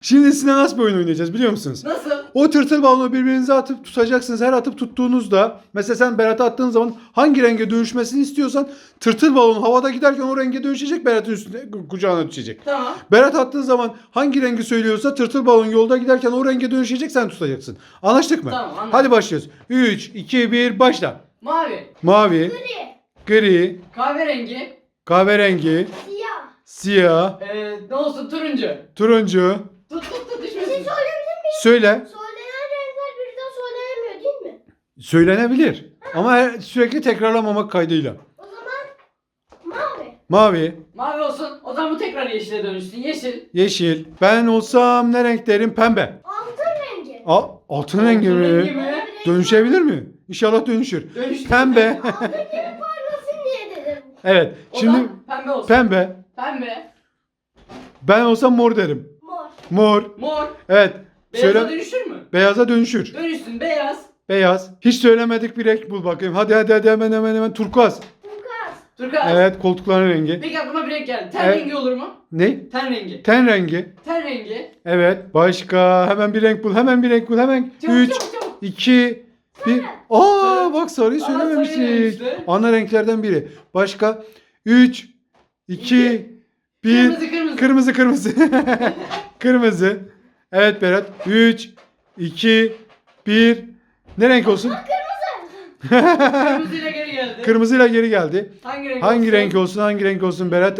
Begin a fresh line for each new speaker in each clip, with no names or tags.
Şimdi sizinle nasıl bir oyun oynayacağız biliyor musunuz?
Nasıl?
O tırtıl balonu birbirinize atıp tutacaksınız. Her atıp tuttuğunuzda mesela sen Berat'a attığın zaman hangi renge dönüşmesini istiyorsan tırtıl balon havada giderken o renge dönüşecek, Berat'ın üstüne kucağına düşecek.
Tamam.
Berat attığın zaman hangi rengi söylüyorsa tırtıl balon yolda giderken o renge dönüşecek, sen tutacaksın. Anlaştık mı?
Tamam, anladım.
Hadi başlıyoruz. 3, 2, 1 başla.
Mavi.
Mavi, gri,
Kahverengi.
kahverengi,
Siyah.
siyah,
Ne olsun turuncu.
turuncu.
Tut
Bir şey
düşmesin.
söyleyebilir miyim?
Söyle.
Söylenen renkler birden söylenemiyor değil mi?
Söylenebilir. Ama sürekli tekrarlamamak kaydıyla.
O zaman mavi.
Mavi,
Mavi olsun. O zaman bu tekrar yeşile dönüşsün. Yeşil.
yeşil. Ben olsam ne renk derim? Pembe.
Altın rengi.
Altın rengi
Altın rengi
mi?
mi?
Dönüşebilir mi? İnşallah dönüşür.
Dönüştü.
Pembe.
Altın gibi parlasın diye dedim.
Evet.
O
Şimdi
zaman pembe olsun.
pembe.
Pembe.
Ben olsam mor derim.
Mor.
Mor.
Mor.
Evet.
Beyaza
Söyle.
dönüşür mü?
Beyaza dönüşür.
Dönüşsün. Beyaz.
Beyaz. Hiç söylemedik bir renk bul bakayım. Hadi hemen. Turkuaz.
Turkuaz.
Turkuaz.
Evet, koltukların rengi.
Peki aklıma bir renk geldi. Ten
Evet.
rengi olur mu?
Ne?
Ten rengi.
Ten rengi.
Ten rengi.
Evet. Başka. Hemen bir renk bul. Hemen 3,
Çabuk.
2, 1.
Sarı.
Bak sarıyı
Aa, sarıyı
söylememiştik.
demişti.
Ana renklerden biri. Başka. 3, 2, 1.
Kırmızı.
Kırmızı. Kırmızı. Evet Berat. 3, 2, 1. Ne renk olsun?
Kırmızıyla geri geldi.
Kırmızıyla geri geldi.
Hangi renk
Hangi renk olsun Berat?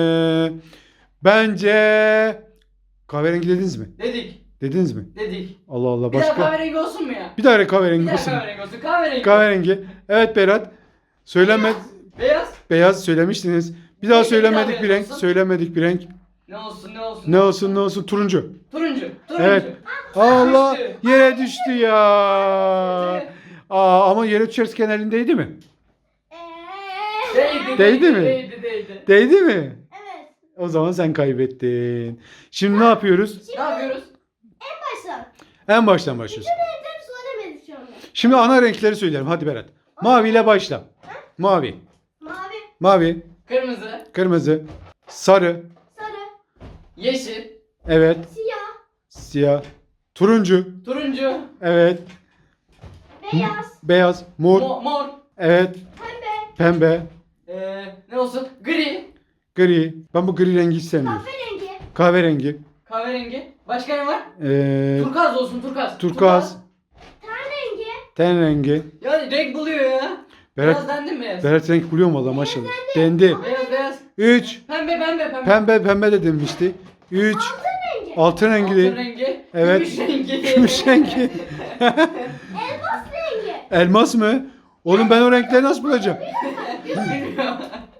Bence kahverengi dediniz mi?
Dedik.
Dediniz mi?
Dedik.
Allah Allah,
Bir daha
başka.
kahverengi olsun mu ya?
Bir daha
Bir
kahverengi
daha
olsun.
kahverengi olsun. Kahverengi.
Kahverengi. Evet Berat. Söyleme.
Beyaz.
Beyaz söylemiştiniz. Bir daha
Peki, bir
söylemedik
daha
bir
beyaz
renk.
olsun.
Söylemedik bir renk.
Ne olsun?
Ne olsun? Turuncu.
Turuncu.
Evet. Allah,
Düştü.
yere düştü ya. Ama yere düşerken elindeydi mi? Değdi mi?
Değdi.
Değdi mi?
Evet.
O zaman sen kaybettin. Şimdi ne yapıyoruz?
Ne yapıyoruz?
Başla.
En baştan başlıyoruz.
Renkleri söylemedik şu anda.
Şimdi ana renkleri söyleyelim. Hadi Berat. Mavi ile başla. Mavi.
Mavi.
Mavi.
Kırmızı.
Kırmızı. Sarı.
Sarı.
Yeşil.
Evet.
Siyah.
Siyah. Turuncu.
Turuncu.
Evet.
Beyaz.
Beyaz. Mor.
Mor.
Evet.
Pembe.
Pembe.
Ne olsun? Gri.
Gri. Ben bu gri rengi hiç sevmiyorum.
Kahverengi.
Kahverengi.
Kahverengi. Başka ne var?
Ee,
Turkuaz olsun. Turkuaz.
turkuaz.
Ten rengi.
Ten rengi.
Ya renk buluyor ya.
Berat,
Beyaz dendi mi beyaz?
Berat renk buluyor mu valla maşallah. Dendi.
Beyaz.
3.
Pembe.
Pembe de demişti. 3.
Rengi.
Altın rengi.
Altın rengi.
Evet.
Gümüş rengi.
Gümüş rengi.
Elmas rengi.
Elmas mı? Oğlum ben o renkleri nasıl bulacağım?
Bilmiyorum.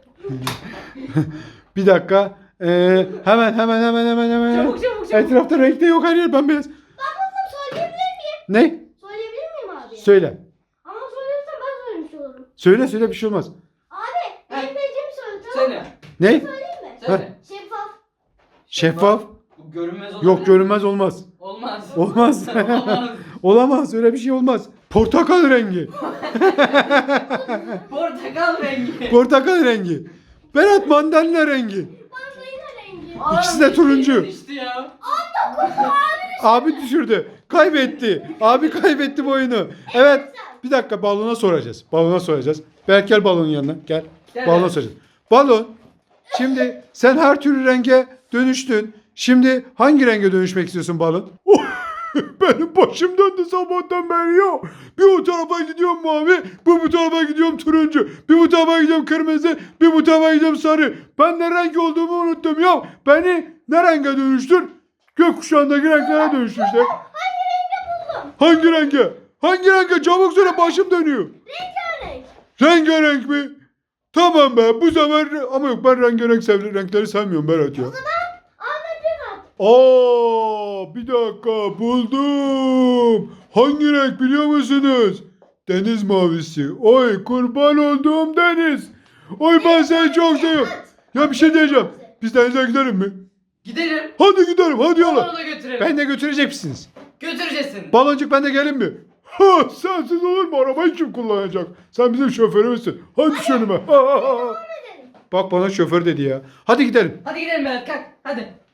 Bir dakika. Hemen.
Çabuk.
Etrafta renk de yok, her yer bembeyaz.
Ben bunu söyleyebilir miyim?
Ne?
Söyleyebilir miyim abi?
Söyle.
Ama söylersem ben söylemiş olurum.
Söyle bir şey olmaz.
Abi benim bildiğimi söyle tamam mı?
Söyle.
Ne?
Söyleyeyim mi?
Söyle.
Şeffaf.
Şeffaf.
Bu görünmez olabilir.
Yok, görünmez olmaz.
Olmaz.
Olmaz.
Olmaz.
Olamaz, öyle bir şey olmaz. Portakal rengi.
Portakal rengi.
Portakal rengi. Berat mandalina rengi.
Mandalina rengi.
İkisi de turuncu.
İşte ya.
Abi düşürdü. Kaybetti. Abi kaybetti bu oyunu. Evet. Bir dakika, balona soracağız. Berker balonun yanına. Gel.
Gel.
Balona soracağız. Balon. Şimdi sen her türlü renge dönüştün. Şimdi hangi renge dönüşmek istiyorsun balon? Benim başım döndü sabahtan beri ya. Bir o tarafa gidiyorum mavi, bu tarafa gidiyorum turuncu, bir bu tarafa gidiyorum kırmızı, bir bu tarafa gidiyorum sarı. Ben ne renk olduğumu unuttum ya. Beni ne renge dönüştür? Gökkuşağındaki renklere dönüştür işte. Hangi renge? Hangi renge? Çabuk söyle, başım dönüyor.
Rengarenk.
Rengarenk mi? Tamam be, bu sefer ama yok, ben rengarenk renkleri sevmiyorum Berat ya.
Ahmet Rekat.
Bir dakika, buldum. Hangi renk biliyor musunuz? Deniz mavisi. Oy kurban olduğum deniz. Oy ben seni çok seviyorum. Ya bir şey diyeceğim. Biz denize gidelim mi?
Gidelim.
Hadi gidelim, hadi yola.
Balonu da götürelim.
Ben de götürecek misiniz?
Götüreceksin.
Baloncuk, ben de gelin mi? Sensiz olur mu? Arabayı kim kullanacak? Sen bizim şoförümüzsün. Hadi düş önüme. Bak bana şoför dedi ya. Hadi gidelim.
Hadi gidelim Berat kalk. Hadi.